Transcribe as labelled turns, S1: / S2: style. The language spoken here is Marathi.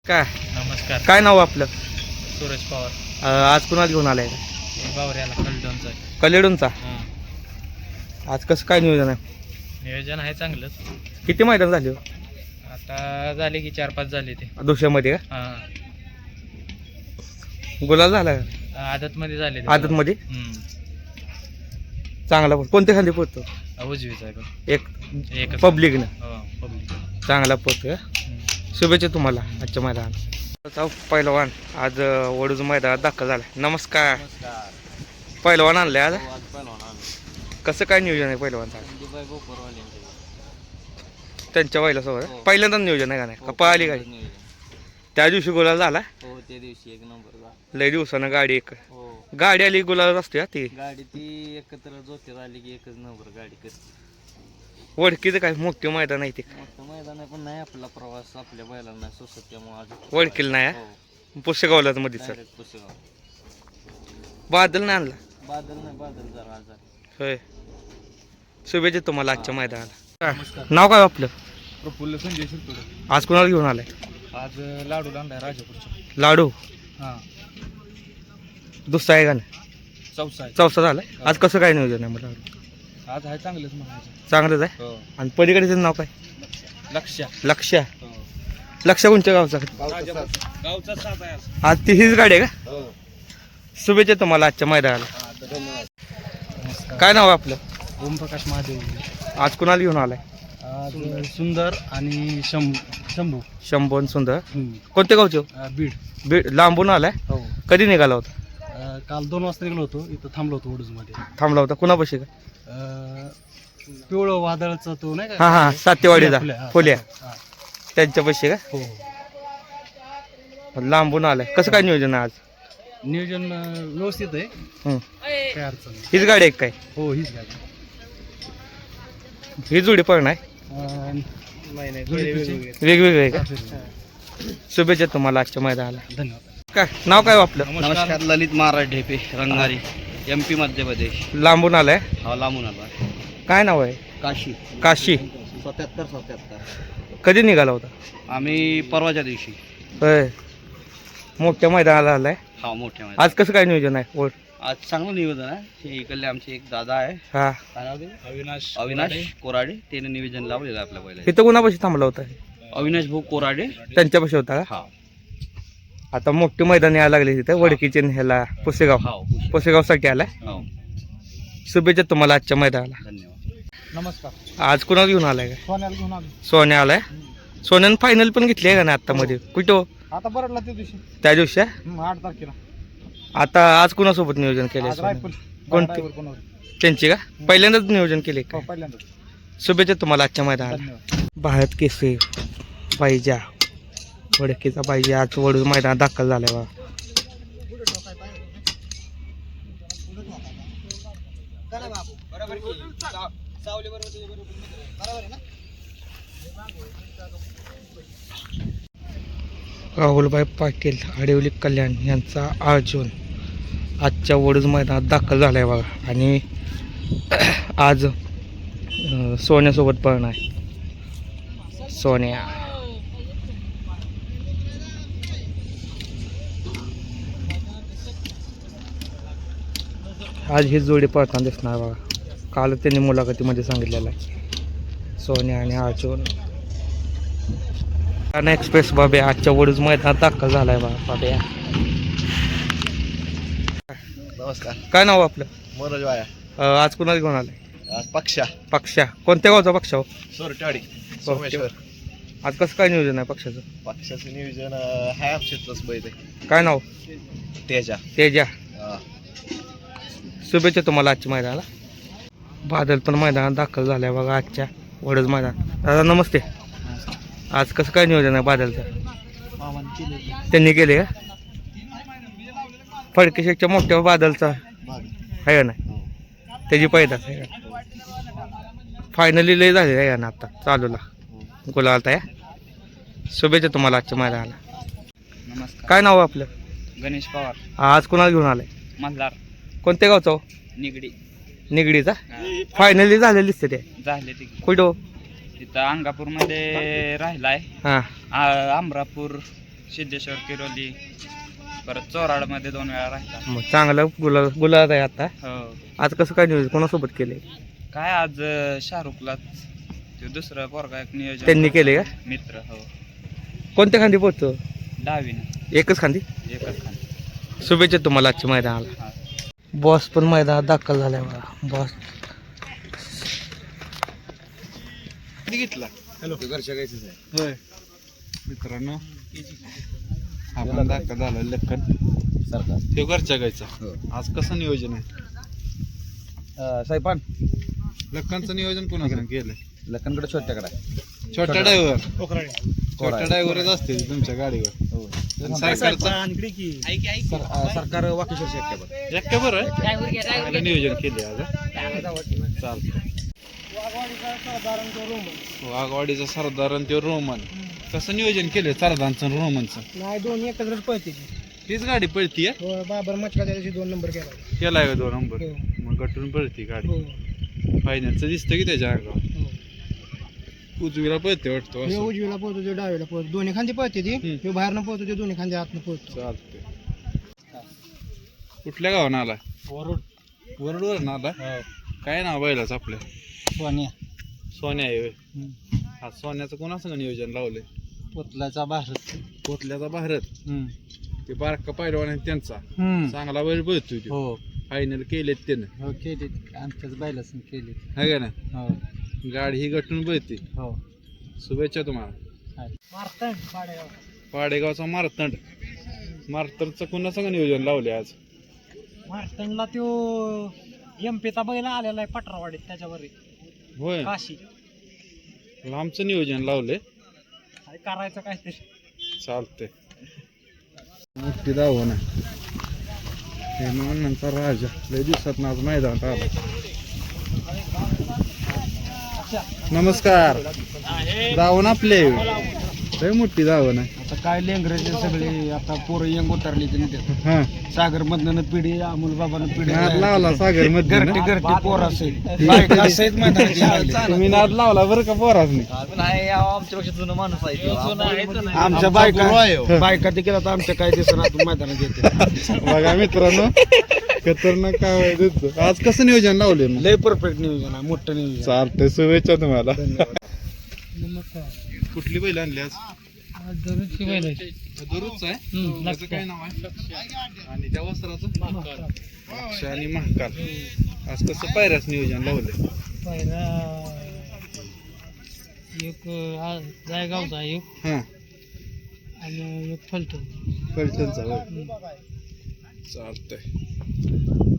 S1: काय
S2: नमस्कार.
S1: काय नाव आपलं?
S2: सूरज पवार.
S1: आज कुणाला घेऊन आलाय?
S2: बावऱ्याला कलडोनचं.
S1: कलेडूनचा.
S2: हां,
S1: आज कसं काय नियोजन आहे?
S2: नियोजन आहे चांगलंच.
S1: किती मैदान झाले हो?
S2: आता झाले की 4-5 झाले ते.
S1: दुसऱ्यामध्ये का
S2: हां,
S1: गुलाल झाला का?
S2: आदतमध्ये झाले ते.
S1: आदतमध्ये चांगला कोणत्या खाली पोहतो?
S2: उजवीच आहे पण.
S1: एक
S2: एकच.
S1: पब्लिकनं
S2: हो, पब्लिक.
S1: चांगला पोहतो. शुभेच्छा तुम्हाला आजच्या मैदानात. पहिलवान आज वडूज मैदानात दाखल झाला. नमस्कार. पहिलवान आणले आज. कसं काय नियोजन आहे पहिलवानचं? त्यांच्या पहिल्या सोबत पहिल्यांदा नियोजन आहे का नाही का पळाली गाडी? त्या दिवशी गुलाल झाला.
S2: हो, त्या दिवशी एक नंबर.
S1: लय दिवसानं गाडी एक
S2: हो,
S1: गाडी आली गुलाल असते हा ती.
S2: गाडी ती एकत्र जोते आली की एकच नंबर गाडी करते.
S1: वडकीचं काय मोठे मैदान आहे ते.
S2: मोठं मैदान आहे पण नाही आपला प्रवास आपल्या बैलांना नाही सोसत त्यामुळे आज
S1: वडकीला नाही
S2: हो,
S1: पुसेगावलाच मध्ये सर.
S2: direct पुसेगाव.
S1: बादल नाही आणला
S2: बादल नाही, बादल जरा आजार.
S1: होय. शुभेच्छा तुम्हाला आजच्या मैदानाला.
S2: नमस्कार.
S1: नाव काय आपलं?
S2: प्रफुल्ल संजय शिरतोडे.
S1: आज कुणाला घेऊन आलाय?
S2: आज लाडू आणलाय राजापूरचा.
S1: लाडू
S2: हां,
S1: दुसरा आहे का नाही?
S2: चौसा आहे.
S1: चौथा झालाय. आज कसं काय नियोजन आहे मला?
S2: आज आहे चांगलंच म्हणायचं.
S1: चांगलंच आहे.
S2: हो,
S1: आणि पलीकडचं नाव काय?
S2: लक्ष्या.
S1: लक्ष.
S2: हो,
S1: लक्ष कोणत्या गावचा?
S2: गावचा साथ आहे आज.
S1: आज ती हीच गाडी आहे का?
S2: हो,
S1: शुभेच्छा तुम्हाला आजच्या मैदानाला.
S2: धन्यवाद.
S1: काय नाव आहे आपलं?
S2: ओमप्रकाश महादेव.
S1: आज कुणाला घेऊन आलाय?
S2: आज सुंदर आणि शंभू.
S1: शंभून सुंदर. कोणत्या गावचे हो?
S2: बीड.
S1: बीड लांबून आलाय.
S2: हो,
S1: कधी निघाला होता?
S2: काल 2 वाजता निघलो होतो. इथं थांबलो होतो वडूजमध्ये.
S1: थांबला होता कुणापाशी का?
S2: पिवळं वादळचा तो नाही
S1: हा हा सातेवाडीचा
S2: फुल्या.
S1: फुल्या
S2: हा.
S1: त्यांच्यापाशी का?
S2: हो,
S1: लांबून आलाय. कसं काय नियोजन आहे आज?
S2: नियोजन व्यवस्थित आहे.
S1: हं.
S2: काय अडचण नाही.
S1: हीच गाडी आहे काय?
S2: हो, हीच गाडी.
S1: ही जोडी पण आहे
S2: जोडी
S1: वेगवेगळे आहे का? शुभेच्छा तुम्हाला आजच्या मैदानाला.
S2: धन्यवाद.
S1: काय नाव काय हो आपलं?
S2: नमस्कार. ललित महाराज ढेपे रंगारी, MP मध्य प्रदेश.
S1: लांबून आलाय.
S2: हा, लांबून आला.
S1: काय नाव आहे?
S2: काशी.
S1: काशी.
S2: 77.
S1: कधी निघाला होता?
S2: आम्ही परवाच्या दिवशी.
S1: होय. मोठ्या मैदानाला आलाय.
S2: हा, मोठ्या
S1: आज कसं काय नियोजन आहे? ओढ
S2: आज चांगलं निवेदन आहे. हे इकडले आमचे एक दादा आहे.
S1: हा
S2: काय नाव ते? अविनाश कोराडे. त्याने निवेदन लावलेलं आहे आपल्या पहिल्या.
S1: इथं कुणापाशी थांबला होता?
S2: अविनाश भाऊ कोराडे.
S1: त्यांच्यापाशी होता का?
S2: हा,
S1: आता मोठी मैदान यायला लागली तिथं वडकीचे ह्याला पुसेगाव.
S2: हो,
S1: पुसेगावसाठी आलाय.
S2: हो.
S1: शुभेच्छा तुम्हाला आजच्या मैदानाला.
S2: धन्यवाद. नमस्कार.
S1: आज कुणाला घेऊन आलाय का?
S2: सोन्याला घेऊन आलो.
S1: सोन्या आलाय. सोन्यानं फायनल पण घेतली आहे का नाही आता मध्ये? कुठं हो?
S2: आता बरडला त्या दिवशी.
S1: त्या दिवशी
S2: 8 तारखेला.
S1: आता आज कुणासोबत नियोजन केलंय? कोणती? त्यांची का? पहिल्यांदाच नियोजन केले का?
S2: पहिल्यांदा.
S1: शुभेच्छा तुम्हाला आजच्या मैदानाला.
S2: धन्यवाद.
S1: भारत केसरी पाहिजे वडकीचा पाहिजे आज वडूज मैदानात दाखल झालाय बा. राहुलभाई पाटील आडिवली कल्याण यांचा अर्जुन आजच्या वडूज मैदानात दाखल झालाय बघा. आणि आज सोन्यासोबत पळणार आहे. सोन्या आज ही जोडी पळताना दिसणार बघा. काल त्यांनी मुलाखतीमध्ये सांगितलेलं आहे. सोन्या आणि अर्जुन. ठाणे एक्सप्रेस बाब्या आजच्या वडूज मैदानात दाखल झालाय बघा. बाब्या
S2: नमस्कार.
S1: काय नाव आपलं?
S2: मनोज वाया.
S1: आज कुणाला घेऊन आलाय?
S2: आज पक्षा.
S1: पक्षा. कोणत्या गावचा पक्षा हो?
S2: सोरटाडी. सोमेश्वर.
S1: आज कसं काय नियोजन आहे पक्षाचं?
S2: पक्षाचं नियोजन आहे आमच्यातलंच बैल आहे.
S1: काय नाव?
S2: तेजा.
S1: तेजा. शुभेच्छा तुम्हाला आजच्या मैदानाला. बादल पण मैदानात दाखल झालाय बघा आजच्या वडूज मैदान. दादा नमस्ते. आज कसं काय नियोजन आहे बादलचं? त्यांनी केले का? फडकेशेकच्या मोठ्या बादलचा आहे का नाही? त्याची पैदास आहे का? फायनली लय झाली आहे ना आता चालूला गुलाल या. शुभेच्छा तुम्हाला आजच्या मैदानाला.
S2: नमस्कार.
S1: काय नाव आपलं?
S2: गणेश पवार.
S1: आज कुणाला घेऊन आलाय?
S2: मल्हार.
S1: कोणत्या गावचा हो?
S2: निगडी.
S1: निगडीचा. फायनली झालेली दिसते ते.
S2: झाले ते
S1: कुठं हो?
S2: तिथं अंगापूर मध्ये राहिलाय.
S1: हां
S2: अमरापूर सिद्धेश्वर किरोली, परत चोराडमध्ये 2 वेळा राहिला.
S1: मग चांगलं गुलाब आहे आता.
S2: हो.
S1: आज कसं काय नियोजन कोणासोबत केले?
S2: काय आज शाहरुखला ते दुसरं पोरगा एक नियोजन
S1: त्यांनी केले का?
S2: मित्र. हो.
S1: कोणत्या खांदी पोहोचतो?
S2: डावीनं
S1: एकच खांदी.
S2: एकच खाली.
S1: शुभेच्छा तुम्हाला आजच्या मैदानाला. बॉस पण मैदानात दाखल झालाय बघा. बॉस
S3: घेतला.
S2: हॅलो. घरच्या गायचंच आहे.
S3: होय मित्रांनो, आपण दाखल झाला लखन
S2: सरकार.
S3: ते घरच्या गायचा.
S2: हो.
S3: आज कसं नियोजन आहे?
S2: साहेबान
S3: लखनचं नियोजन कोणाकडे केलंय?
S2: लखनकडे छोट्याकडे.
S3: छोट्या ड्रायव्हर. छोट्या ड्रायव्हरच असते तुमच्या गाडीवर. आणि सरकारचा
S2: सरकार वाकेश्वर शेट्टी.
S3: एकट्या बरं चांगलं नियोजन केले आज. चालतं. वाघवाडीचा सरदार आणि ते रोमन. कसं नियोजन केलंय सरदारचं आणि रोमनचं?
S4: नाही, दोन्ही एकत्रच पळते.
S3: हीच गाडी पळतीये.
S4: बाबर मचका त्या दिवशी 2 नंबर केला.
S3: केलाय का 2 नंबर?
S4: हो.
S3: मग गटून पळती गाडी.
S4: हो.
S3: फायनलचं दिसतं की त्याच्या अंगावर.
S4: हो.
S3: उजवीला पळते वाटतो
S4: हे
S3: असं.
S4: उजवीला पोहतो, ते डावीला पोहतो. दोन्ही खांदी पळते ती.
S3: हम्म.
S4: हे बाहेरनं पोहतो, ते दोन्ही खांदी आतनं पोहतो.
S3: चालते. कुठल्या गावानं आला? वरडवरून आला. काय नाव बैलाच आपल्या?
S4: सोन्या
S3: सोन्या आहे होय. आज सोन्याचं कोणासंग नियोजन लावलंय?
S4: पोतलाचा भारत.
S3: कोतल्याचा भारत. ते बारका पैलवान आहे त्यांचा. चांगला बैल पळतोय तो.
S4: हो
S3: फायनल केलेत त्यानं.
S4: हो, केले आमच्याच बैलासून केले.
S3: है का ना?
S4: हो
S3: गाडी ही गटून पळते.
S4: हो.
S3: शुभेच्छा तुम्हाला.
S4: मारतंड पाडेगाव.
S3: पाडेगावचा मारतंड. मारतंडचं कोणासंग नियोजन लावले आज?
S4: मारतंडला तो एमपीचा बैल आलेला आहे पटरावाडीत, त्याच्यावर
S3: होय.
S4: काशी.
S3: लांबचं नियोजन लावले.
S4: काय करायचं काहीतरी.
S3: चालते. मोठी धावण आहे. हे नंतर राजा लय दिवसात आज मैदानात आला. नमस्कार. धावण आपले लय मोठी धावण आहे.
S4: आता काय लेंगरेचे सगळे आता पोरं यंग उतरली
S3: हा
S4: सागर मधनं पिढी, अमोल बाबानं पिढी,
S3: नाद लावला सागर मध्ये
S4: घरटी घरटी पोर असेल.
S3: तुम्ही नाद लावला बरं का पोरासनी.
S2: आमच्यापेक्षा जुनं माणूस आहे.
S4: आमच्या बायका ते केला तर आमच्या काय दिसणार मैदानात येते.
S3: बघा मित्रांनो, खतरनाक काय आहे तुझं. आज कसं नियोजन लावले मग?
S4: लय परफेक्ट नियोजन आहे, मोठं नियोजन.
S3: चालतंय. शुभेच्छा तुम्हाला.
S4: नमस्कार.
S3: कुठली बैल आणली आज?
S4: दररोजची बैल आहे.
S3: दररोजच आहे. त्याचं काय नाव आहे? आणि त्या वस्त्राचं? अक्षय आणि महाकाल. आज कसं पायऱ्याच नियोजन लावलंय?
S4: पहिला एक जायगावचा एक
S3: हा
S4: आणि एक फलटण.
S3: फलटणचा होय. चालतंय.